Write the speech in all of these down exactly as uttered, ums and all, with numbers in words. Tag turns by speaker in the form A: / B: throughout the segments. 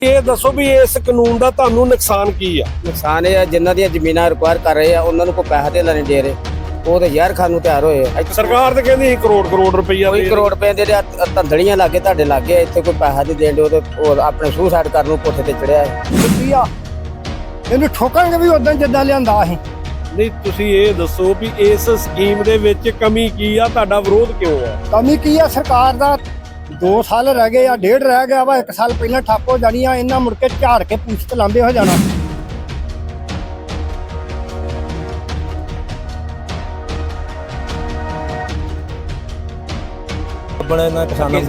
A: ਇਹ ਦੱਸੋ ਵੀ ਇਸ ਕਾਨੂੰਨ ਦਾ ਤੁਹਾਨੂੰ ਨੁਕਸਾਨ ਕੀ ਆ?
B: ਨੁਕਸਾਨ ਇਹ ਆ ਜਿਨ੍ਹਾਂ ਦੀਆਂ ਜ਼ਮੀਨਾਂ ਰਿਕਵਾਇਰ ਕਰ ਰਹੇ ਆ ਉਹਨਾਂ ਨੂੰ ਕੋਈ ਪੈਸਾ ਦੇ ਨਹੀਂ ਦੇ ਰਹੇ, ਉਹ ਤੇ ਯਾਰ ਖਾਨ ਨੂੰ ਤਿਆਰ ਹੋਏ ਆ।
A: ਸਰਕਾਰ ਤੇ ਕਹਿੰਦੀ ਕਰੋੜ ਕਰੋੜ ਰੁਪਈਆ
B: ਕੋਈ ਕਰੋੜ ਰੁਪਏ ਦੇ ਧੰਦੜੀਆਂ ਲਾਗੇ ਤੁਹਾਡੇ ਲਾਗੇ, ਇੱਥੇ ਕੋਈ ਪੈਸਾ ਨਹੀਂ ਦੇਣ ਦੇ, ਉਹਦੇ ਉਹ ਆਪਣੇ ਸੁਸਾਈਡ ਕਰਨ ਨੂੰ ਕੋਠੇ ਤੇ ਚੜਿਆ ਹੈ।
C: ਇਹਨੂੰ ਠੋਕਾਂਗੇ ਵੀ ਉਦਾਂ ਜਿੱਦਾਂ ਲਿਆਂਦਾ ਅਸੀਂ।
A: ਨਹੀਂ ਤੁਸੀਂ ਇਹ ਦੱਸੋ ਵੀ ਇਸ ਸਕੀਮ ਦੇ ਵਿੱਚ ਕਮੀ ਕੀ ਆ, ਤੁਹਾਡਾ ਵਿਰੋਧ ਕਿਉਂ ਆ?
C: ਕਮੀ ਕੀ ਆ? ਸਰਕਾਰ ਦਾ ਦੋ ਸਾਲ ਰਹਿ ਗਏ ਆ, ਡੇਢ ਰਹਿ ਗਿਆ ਵਾ, ਇੱਕ ਸਾਲ ਪਹਿਲਾਂ ਠੱਪ ਹੋ ਜਾਣੀ ਆ, ਇਹਨਾਂ ਮੁੜ ਕੇ ਝਾੜ ਕੇ ਪੂਛ ਤੇ ਲਾਂਬੇ ਹੋ ਜਾਣਾ।
D: ਬਣੇ ਨਾ ਕਿਸਾਨਾਂ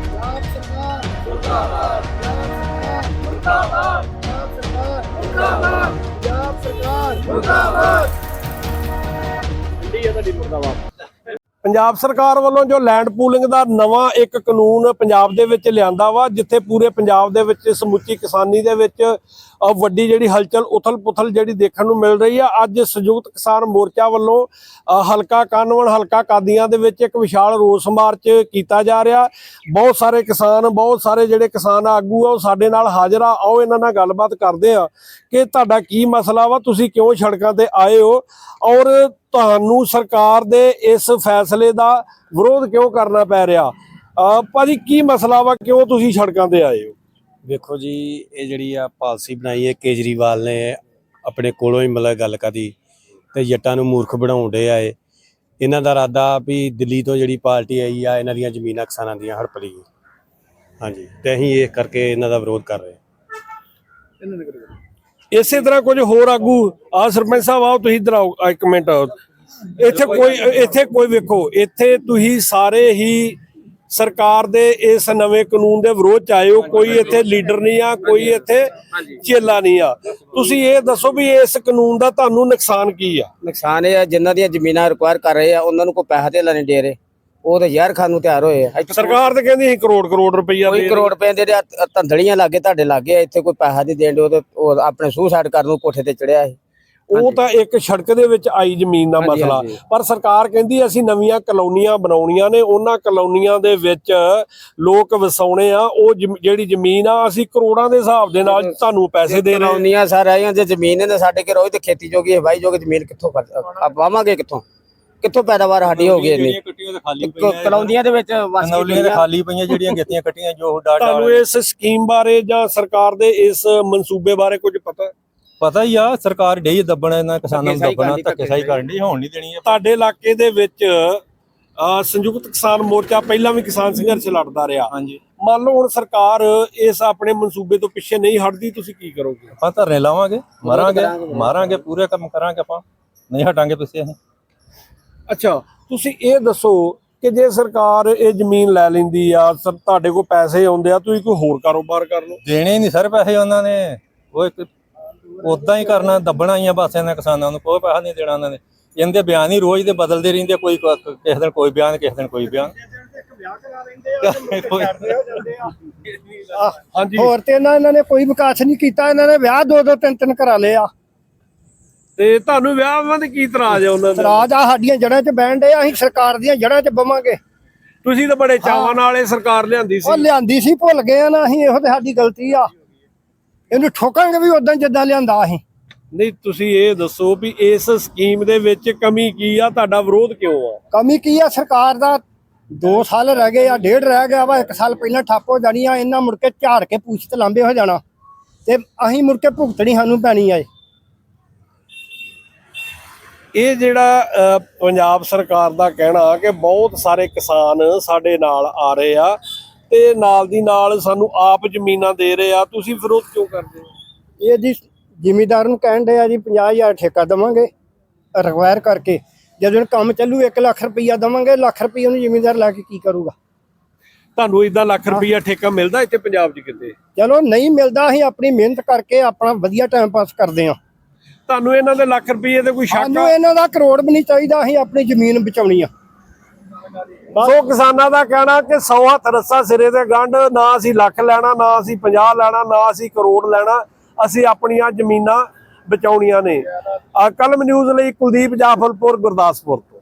A: ਪੰਜਾਬ ਸਰਕਾਰ ਵੱਲੋਂ ਜੋ ਲੈਂਡ ਪੂਲਿੰਗ ਦਾ ਨਵਾਂ ਇੱਕ ਕਾਨੂੰਨ ਪੰਜਾਬ ਦੇ ਵਿੱਚ ਲਿਆਂਦਾ ਵਾ, ਜਿੱਥੇ ਪੂਰੇ ਪੰਜਾਬ ਦੇ ਵਿੱਚ ਸਮੁੱਚੀ ਕਿਸਾਨੀ ਦੇ ਵਿੱਚ ਵੱਡੀ ਜਿਹੜੀ ਹਲਚਲ ਉਥਲ ਪੁਥਲ ਜਿਹੜੀ ਦੇਖਣ ਨੂੰ ਮਿਲ ਰਹੀ ਆ। ਅੱਜ ਸੰਯੁਕਤ ਕਿਸਾਨ ਮੋਰਚਾ ਵੱਲੋਂ ਹਲਕਾ ਕਾਨਵਨ ਹਲਕਾ ਕਾਦੀਆਂ ਦੇ ਵਿੱਚ ਇੱਕ ਵਿਸ਼ਾਲ ਰੋਸ ਮਾਰਚ ਕੀਤਾ ਜਾ ਰਿਹਾ। ਬਹੁਤ ਸਾਰੇ ਕਿਸਾਨ ਬਹੁਤ ਸਾਰੇ ਜਿਹੜੇ ਕਿਸਾਨ ਆਗੂ ਆ ਉਹ ਸਾਡੇ ਨਾਲ ਹਾਜ਼ਰ ਆ। ਆਓ ਇਹਨਾਂ ਨਾਲ ਗੱਲਬਾਤ ਕਰਦੇ ਆ ਕਿ ਤੁਹਾਡਾ ਕੀ ਮਸਲਾ ਵਾ, ਤੁਸੀਂ ਕਿਉਂ ਸੜਕਾਂ ਤੇ ਆਏ ਹੋ ਔਰ ਤੁਹਾਨੂੰ ਸਰਕਾਰ ਦੇ ਇਸ ਫੈਸਲੇ ਦਾ ਵਿਰੋਧ ਕਿਉਂ ਕਰਨਾ ਪੈ ਰਿਹਾ। ਭਾਜੀ ਕੀ ਮਸਲਾ ਵਾ, ਕਿਉਂ ਤੁਸੀਂ ਸੜਕਾਂ ਤੇ ਆਏ ਹੋ?
D: ਵੇਖੋ ਜੀ, ਇਹ ਜਿਹੜੀ ਆ ਪਾਲਿਸੀ ਬਣਾਈ ਹੈ ਕੇਜਰੀਵਾਲ ਨੇ ਆਪਣੇ ਕੋਲੋਂ ਹੀ, ਮਤਲਬ ਗੱਲ ਕਦੀ ਤੇ ਜੱਟਾਂ ਨੂੰ ਮੂਰਖ ਬਣਾਉਂਦੇ ਆ। ਇਹ ਇਹਨਾਂ ਦਾ ਇਰਾਦਾ ਵੀ ਦਿੱਲੀ ਤੋਂ ਜਿਹੜੀ ਪਾਰਟੀ ਆਈ ਆ ਇਹਨਾਂ ਦੀਆਂ ਜ਼ਮੀਨਾਂ ਕਿਸਾਨਾਂ ਦੀਆਂ ਹੜਪ ਲਈ। ਹਾਂਜੀ, ਤੇ ਅਸੀਂ ਇਹ ਕਰਕੇ ਇਹਨਾਂ ਦਾ ਵਿਰੋਧ ਕਰ ਰਹੇ ਹਾਂ।
A: ਇਸੇ ਤਰ੍ਹਾਂ ਕੁਝ ਹੋਰ ਆਗੂ ਆ ਸਰਪੰਚ ਸਾਹਿਬ ਆਓ ਤੁਸੀਂ ਇੱਧਰ ਆਓ ਇੱਕ ਮਿੰਟ। ਇੱਥੇ ਕੋਈ ਇੱਥੇ ਕੋਈ ਵੇਖੋ, ਇੱਥੇ ਤੁਸੀਂ ਸਾਰੇ ਹੀ ਸਰਕਾਰ ਦੇ ਇਸ ਨਵੇਂ ਕਾਨੂੰਨ ਦੇ ਵਿਰੋਧ ਚ ਆਏ ਹੋ। ਕੋਈ ਇੱਥੇ ਲੀਡਰ ਨਹੀਂ ਆ, ਕੋਈ ਇੱਥੇ ਚੇਲਾ ਨਹੀਂ ਆ। ਤੁਸੀਂ ਇਹ ਦੱਸੋ ਵੀ ਇਸ ਕਾਨੂੰਨ ਦਾ ਤੁਹਾਨੂੰ ਨੁਕਸਾਨ ਕੀ ਆ?
B: ਨੁਕਸਾਨ ਇਹ ਆ ਜਿਨ੍ਹਾਂ ਦੀਆਂ ਜ਼ਮੀਨਾਂ ਰਿਕਵਾਇਰ ਕਰ ਰਹੇ ਆ ਉਹਨਾਂ ਨੂੰ ਕੋਈ ਪੈਸਾ ਦੇ ਨਹੀਂ ਦੇ ਰਹੇ, ਉਹ ਤੇ ਯਾਰ ਖਾਨ ਨੂੰ ਤਿਆਰ ਹੋਏ ਆ।
A: ਸਰਕਾਰ ਤੇ ਕਹਿੰਦੀ ਕਰੋੜ ਕਰੋੜ ਰੁਪਈਆ
B: ਕੋਈ ਕਰੋੜ ਰੁਪਏ ਦੇ ਧੰਦੜੀਆਂ ਲਾਗੇ ਤੁਹਾਡੇ ਲਾਗੇ, ਇੱਥੇ ਕੋਈ ਪੈਸਾ ਨਹੀਂ ਦੇਣ ਦੇ, ਉਹਦੇ ਉਹ ਆਪਣੇ ਸੁਸਾਈਡ ਕਰਨ ਨੂੰ ਕੋਠੇ ਤੇ ਚੜਿਆ ਹੈ।
A: ਉਹ ਤਾਂ ਇੱਕ ਸੜਕ ਦੇ ਵਿੱਚ ਆਈ ਜ਼ਮੀਨ ਦਾ ਮਸਲਾ, ਪਰ ਸਰਕਾਰ ਕਹਿੰਦੀ ਅਸੀਂ ਨਵੀਆਂ ਕਲੋਨੀਆਂ ਬਣਾਉਣੀਆਂ ਨੇ, ਉਹਨਾਂ ਕਲੋਨੀਆਂ ਦੇ ਵਿੱਚ ਲੋਕ ਵਸਾਉਣੇ ਆ। ਉਹ ਜਿਹੜੀ ਜ਼ਮੀਨ ਆ ਅਸੀਂ ਕਰੋੜਾਂ ਦੇ ਹਿਸਾਬ ਦੇ ਨਾਲ ਤੁਹਾਨੂੰ ਪੈਸੇ ਦੇ ਰਹੇ।
B: ਕਲੋਨੀਆਂ ਸਾਰੀਆਂ ਜੇ ਜ਼ਮੀਨ ਨੇ ਸਾਡੇ ਕੇ ਰੋਜ਼ ਤੇ ਖੇਤੀ ਜੋਗੀ ਹੈ, ਵਾਈ ਜੋਗੀ ਜ਼ਮੀਨ ਕਿੱਥੋਂ ਵਾਵਾਂਗੇ, ਕਿੱਥੋਂ ਕਿੱਥੋਂ ਪੈਦਾਵਾਰ ਸਾਡੀ ਹੋ ਗਈ ਇੰਨੀ? ਕਲੋਨੀਆਂ ਦੇ ਵਿੱਚ
D: ਖਾਲੀ ਪਈਆਂ ਜਿਹੜੀਆਂ ਗੱਤੀਆਂ ਕੱਟੀਆਂ ਜੋ ਡਾਟਾ।
A: ਤੁਹਾਨੂੰ ਇਸ ਸਕੀਮ ਬਾਰੇ ਜਾਂ ਸਰਕਾਰ ਦੇ ਇਸ ਮਨਸੂਬੇ ਬਾਰੇ ਕੁਝ ਪਤਾ?
D: ਪਤਾ ਹੀ ਆ, ਸਰਕਾਰ ਢੇਈ ਦੱਬਣਾ ਇਹਨਾਂ ਕਿਸਾਨਾਂ ਨੂੰ, ਦੱਬਣਾ ਧੱਕੇਸ਼ਾਹੀ ਕਰਨ ਦੀ ਹੋਣ ਨਹੀਂ ਦੇਣੀ ਹੈ।
A: ਤੁਹਾਡੇ ਇਲਾਕੇ ਦੇ ਵਿੱਚ ਸੰਯੁਕਤ ਕਿਸਾਨ ਮੋਰਚਾ ਪਹਿਲਾਂ ਵੀ ਕਿਸਾਨ ਸੰਘਰਸ਼ ਲੜਦਾ ਰਿਹਾ।
D: ਹਾਂਜੀ,
A: ਮੰਨ ਲਓ ਹੁਣ ਸਰਕਾਰ ਇਸ ਆਪਣੇ ਮਨਸੂਬੇ ਤੋਂ ਪਿੱਛੇ ਨਹੀਂ ਹਟਦੀ, ਤੁਸੀਂ ਕੀ ਕਰੋਗੇ?
D: ਆਪਾਂ ਧਰਨੇ ਲਾਵਾਂਗੇ, ਮਾਰਾਂਗੇ ਮਾਰਾਂਗੇ ਪੂਰੇ ਕੰਮ ਕਰਾਂਗੇ, ਆਪਾਂ ਨਹੀਂ ਹਟਾਂਗੇ ਪਿੱਛੇ ਅਸੀਂ।
A: ਅੱਛਾ, ਤੁਸੀਂ ਇਹ ਦੱਸੋ ਕਿ ਜੇ ਸਰਕਾਰ ਇਹ ਜ਼ਮੀਨ ਲੈ ਲੈਂਦੀ ਆ, ਤੁਹਾਡੇ ਕੋਲ ਪੈਸੇ ਆਉਂਦੇ ਆ, ਤੁਸੀਂ ਕੋਈ ਹੋਰ ਕਾਰੋਬਾਰ ਕਰ ਲਓ।
D: ਦੇਣੇ ਨਹੀਂ ਸਰ ਪੈਸੇ ਉਹਨਾਂ ਨੇ, ਉਹ ਇੱਕ ਉਦਾਂ ਹੀ ਕਰਨਾ, ਦੱਬਣਾ ਹੀ ਆ ਬਸ ਇਹਨਾਂ ਕਿਸਾਨਾਂ ਨੂੰ, ਕੋਈ ਪੈਸਾ ਨਹੀਂ ਦੇਣਾ ਉਹਨਾਂ ਨੇ। ਇਹਦੇ ਬਿਆਨ ਹੀ ਰੋਜ਼ ਦੇ ਬਦਲਦੇ ਰਹਿੰਦੇ, ਕੋਈ ਕਿਸੇ ਦਿਨ ਕੋਈ ਬਿਆਨ, ਕਿਸੇ ਦਿਨ ਕੋਈ ਬਿਆਨ।
A: ਹਾਂਜੀ,
C: ਹੋਰ ਤੇ ਇਹਨਾਂ ਇਹਨਾਂ ਨੇ ਕੋਈ ਵਿਕਾਸ ਨਹੀਂ ਕੀਤਾ, ਇਹਨਾਂ ਨੇ ਵਿਆਹ ਦੋ ਦੋ ਤਿੰਨ ਤਿੰਨ ਕਰਾ ਲਏ ਆ।
A: ਤੇ ਤੁਹਾਨੂੰ ਵਿਆਹਾਂ ਦੇ ਕੀ ਇਤਰਾਜ਼ ਆ ਉਹਨਾਂ ਦਾ?
C: ਰਾਜ ਆ ਸਾਡੀਆਂ ਜੜ੍ਹਾਂ 'ਚ ਬਹਿਣ ਡੇ, ਅਸੀਂ ਸਰਕਾਰ ਦੀਆਂ ਜੜ੍ਹਾਂ 'ਚ ਬਵਾਂਗੇ।
A: ਤੁਸੀਂ ਤਾਂ ਬੜੇ ਚਾਵਾਂ ਨਾਲ ਇਹ ਸਰਕਾਰ ਲਿਆਂਦੀ ਸੀ।
C: ਉਹ ਲਿਆਂਦੀ ਸੀ, ਭੁੱਲ ਗਏ ਆ ਨਾ ਅਸੀਂ, ਇਹੋ ਤੇ ਸਾਡੀ ਗਲਤੀ ਆ। ਇਹਨੂੰ ਠੋਕਾਂਗੇ ਵੀ ਉਦਾਂ ਜਿੱਦਾਂ ਲਿਆਂਦਾ ਅਸੀਂ।
A: ਨਹੀਂ ਤੁਸੀਂ ਇਹ ਦੱਸੋ ਵੀ ਇਸ ਸਕੀਮ ਦੇ ਵਿੱਚ ਕਮੀ ਕੀ ਆ, ਤੁਹਾਡਾ ਵਿਰੋਧ ਕਿਉਂ ਆ?
C: ਕਮੀ ਕੀ ਆ? ਸਰਕਾਰ ਦਾ ਦੋ ਸਾਲ ਰਹਿ ਗਏ ਆ, ਡੇਢ ਰਹਿ ਗਿਆ ਵਾ, ਇੱਕ ਸਾਲ ਪਹਿਲਾਂ ਠੱਪ ਹੋ ਜਾਣੀ ਆ, ਇਹਨਾਂ ਮੁੜ ਕੇ ਝਾੜ ਕੇ ਪੂਛ ਤੇ ਲਾਂਬੇ ਹੋ ਜਾਣਾ, ਤੇ ਅਸੀਂ ਮੁੜ ਕੇ ਭੁਗਤਣੀ ਸਾਨੂੰ ਪੈਣੀ ਆ।
A: ਇਹ ਜਿਹੜਾ ਪੰਜਾਬ ਸਰਕਾਰ ਦਾ ਕਹਿਣਾ ਕਿ ਬਹੁਤ ਸਾਰੇ ਕਿਸਾਨ ਸਾਡੇ ਨਾਲ ਆ ਰਹੇ ਆ ਤੇ ਨਾਲ ਦੀ ਨਾਲ ਸਾਨੂੰ ਆਪ ਜ਼ਮੀਨਾਂ ਦੇ ਰਹੇ ਆ, ਤੁਸੀਂ ਵਿਰੋਧ ਕਿਉਂ ਕਰਦੇ ਹੋ?
C: ਇਹ ਜੀ ਜ਼ਿਮੀਦਾਰ ਨੂੰ ਕਹਿਣ ਦੇ ਆ ਜੀ ਪੰਜਾਹ ਹਜ਼ਾਰ ਠੇਕਾ ਦੇਵਾਂਗੇ ਰਿਕਵਾਇਰ ਕਰਕੇ, ਜਦੋਂ ਕੰਮ ਚੱਲੂ ਇੱਕ ਲੱਖ ਰੁਪਈਆ ਦੇਵਾਂਗੇ, ਲੱਖ ਰੁਪਈਆ ਨੂੰ ਜ਼ਿਮੀਦਾਰ ਲਾ ਕੇ ਕੀ ਕਰੂਗਾ?
A: ਤੁਹਾਨੂੰ ਇਦਾਂ ਲੱਖ ਰੁਪਈਆ ਠੇਕਾ ਮਿਲਦਾ ਇੱਥੇ ਪੰਜਾਬ 'ਚ ਕਿਤੇ?
C: ਚਲੋ ਨਹੀਂ ਮਿਲਦਾ, ਅਸੀਂ ਆਪਣੀ ਮਿਹਨਤ ਕਰਕੇ ਆਪਣਾ ਵਧੀਆ ਟਾਈਮ ਪਾਸ ਕਰਦੇ ਆ।
A: ਤੁਹਾਨੂੰ ਇਹਨਾਂ ਦੇ ਲੱਖ ਰੁਪਈਏ ਤੇ ਕੋਈ ਸ਼ੱਕ?
C: ਸਾਨੂੰ ਇਹਨਾਂ ਦਾ ਕਰੋੜ ਵੀ ਨਹੀਂ ਚਾਹੀਦਾ, ਅਸੀਂ ਆਪਣੀ ਜ਼ਮੀਨ ਬਚਾਉਣੀ ਆ।
A: ਸੋ ਕਿਸਾਨਾਂ ਦਾ ਕਹਿਣਾ ਕਿ ਸੌ ਹੱਥ ਰੱਸਾ ਸਿਰੇ ਤੇ ਗੰਢ, ਨਾ ਅਸੀਂ ਲੱਖ ਲੈਣਾ, ਨਾ ਅਸੀਂ ਪੰਜਾਹ ਲੈਣਾ, ਨਾ ਅਸੀਂ ਕਰੋੜ ਲੈਣਾ, ਅਸੀਂ ਆਪਣੀਆਂ ਜ਼ਮੀਨਾਂ ਬਚਾਉਣੀਆਂ ਨੇ। ਕਲਮ ਨਿਊਜ਼ ਲਈ ਕੁਲਦੀਪ ਜਾਫਲਪੁਰ, ਗੁਰਦਾਸਪੁਰ ਤੋਂ।